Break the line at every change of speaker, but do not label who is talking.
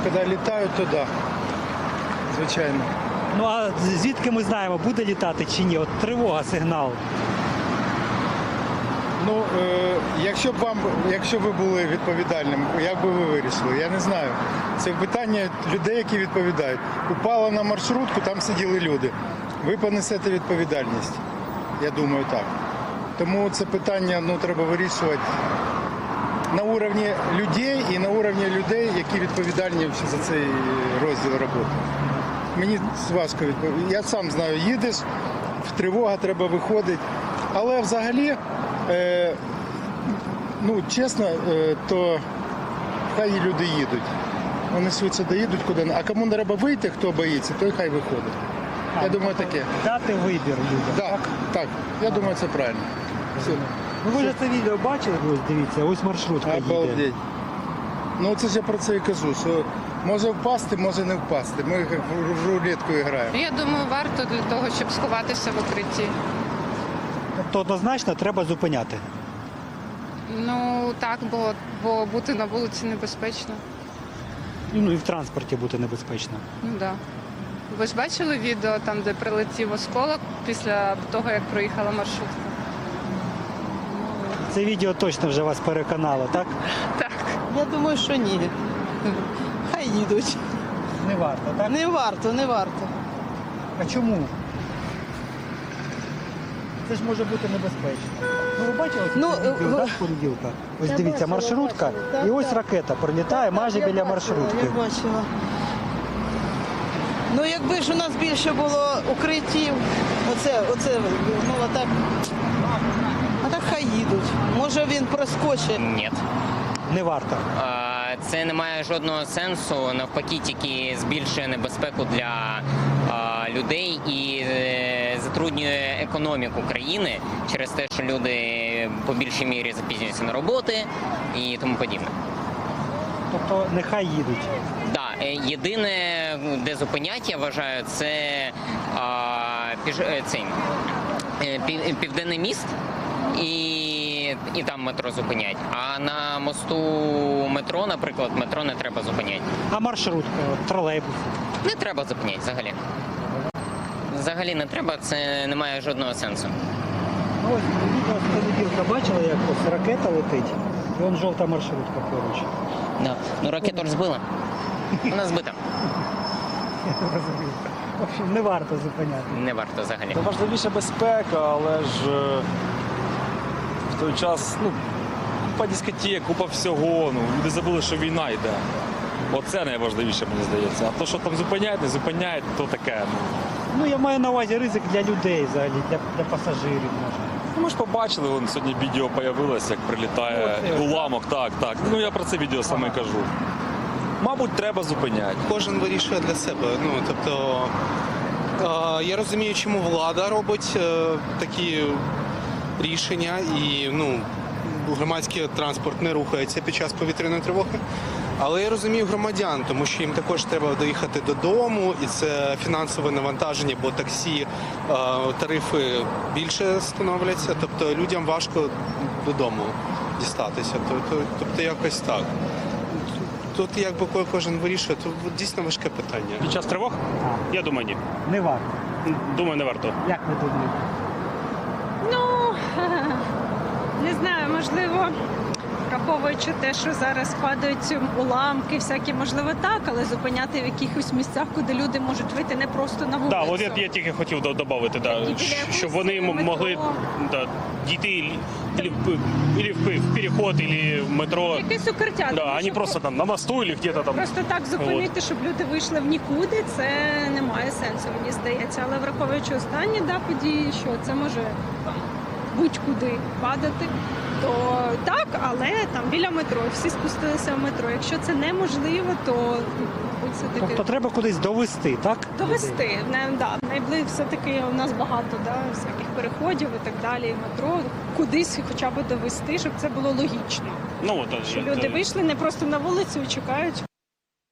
коли літають, то да. Звичайно.
Ну а звідки ми знаємо, буде літати чи ні? От тривога, сигнал.
Ну, якщо ви були відповідальним, як би ви вирішили? Я не знаю. Це питання людей, які відповідають. Упала на маршрутку, там сиділи люди. Ви понесете відповідальність. Я думаю, так. Тому це питання треба вирішувати на уровні людей і на уровні людей, які відповідальні за цей розділ роботи. Мені важко відповідати. Я сам знаю, їдеш, тривога, треба виходити. Але взагалі, чесно, то хай люди їдуть. Вони швидше доїдуть куди. А кому треба вийти, хто боїться, той хай виходить. Я думаю, таке.
Дати вибір людям.
Так. Я думаю, це правильно. Все.
Ну ви ж це відео бачили, ось дивіться, ось маршрутка їде.
Обалдеть. Ну це ж я про це і кажу, що може впасти, може не впасти. Ми як в рулетку граємо.
Я думаю, варто для того, щоб сховатися в укритті.
Тобто однозначно треба зупиняти.
Ну так, бо бути на вулиці небезпечно.
Ну і в транспорті бути небезпечно.
Ну так. Да. Ви ж бачили відео там, де прилетів осколок після того, як проїхала маршрутка?
Це відео точно вже вас переконало, так?
Так.
Я думаю, що ні. Хай їдуть.
Не варто, так?
Не варто.
А чому? Це ж може бути небезпечно. Ну ви бачили відео, так, з понеділка? Ось
Я
дивіться,
бачила,
маршрутка,
так,
і ось
так.
ракета прилітає майже біля маршрутки.
Я бачила. Ну якби ж у нас більше було укриттів, а так хай їдуть. Може він проскочить.
Ні.
Не варто.
Це не має жодного сенсу, навпаки, тільки збільшує небезпеку для людей і затруднює економіку країни через те, що люди по більшій мірі запізнюються на роботи і тому подібне.
Тобто нехай їдуть.
Так, єдине, де зупинять, я вважаю, це Південний міст. І там метро зупинять. А на мосту метро, наприклад, метро не треба зупиняти.
А маршрутка, тролейбус?
Не треба зупиняти взагалі. Взагалі не треба, це не має жодного сенсу.
Ну, ось відео з понеділка бачили, як ось ракета летить, і вон жовта маршрутка поруч.
Да. Ну ракету ж збила. Вона збита.
В общем, не варто зупиняти.
Не варто взагалі.
Це важливіше безпека, але ж в той час купа дискотек, купа всього. Люди забули, що війна йде. Оце найважливіше, мені здається. А то, що там зупиняють, не зупиняють, то таке.
Ну, я маю на увазі ризик для людей взагалі, для пасажирів, може.
Ми ж побачили, сьогодні відео з'явилося, як прилітає уламок. Так. Ну я про це відео саме кажу. Мабуть, треба зупиняти.
Кожен вирішує для себе. Я розумію, чому влада робить такі рішення і громадський транспорт не рухається під час повітряної тривоги. Але я розумію громадян, тому що їм також треба доїхати додому, і це фінансове навантаження, бо таксі тарифи більше становляться, тобто людям важко додому дістатися. Тобто якось так. Тут якби кожен вирішує, то дійсно важке питання.
Під час тривог? Я думаю, ні.
Не варто.
Думаю, не варто.
Як ви думаєте?
Не знаю, можливо, враховуючи те, що зараз падають уламки, всякі, можливо, так, але зупиняти в якихось місцях, куди люди можуть вийти не просто на вулицю.
Так, от я тільки хотів додати, щоб вони могли дійти і в переход, і в метро.
Якесь укриття.
А не просто там на мосту, або где-то там.
Просто так зупинити, щоб люди вийшли в нікуди, це не має сенсу, мені здається. Але враховуючи останні події, що це може будь-куди падати, то так, але там біля метро, всі спустилися в метро. Якщо це неможливо, то все-таки...
Тобто треба кудись довести, так?
Довести. Найближче все-таки у нас багато всяких переходів і так далі, метро. Кудись хоча б довести, щоб це було логічно. Що люди вийшли не просто на вулицю і чекають.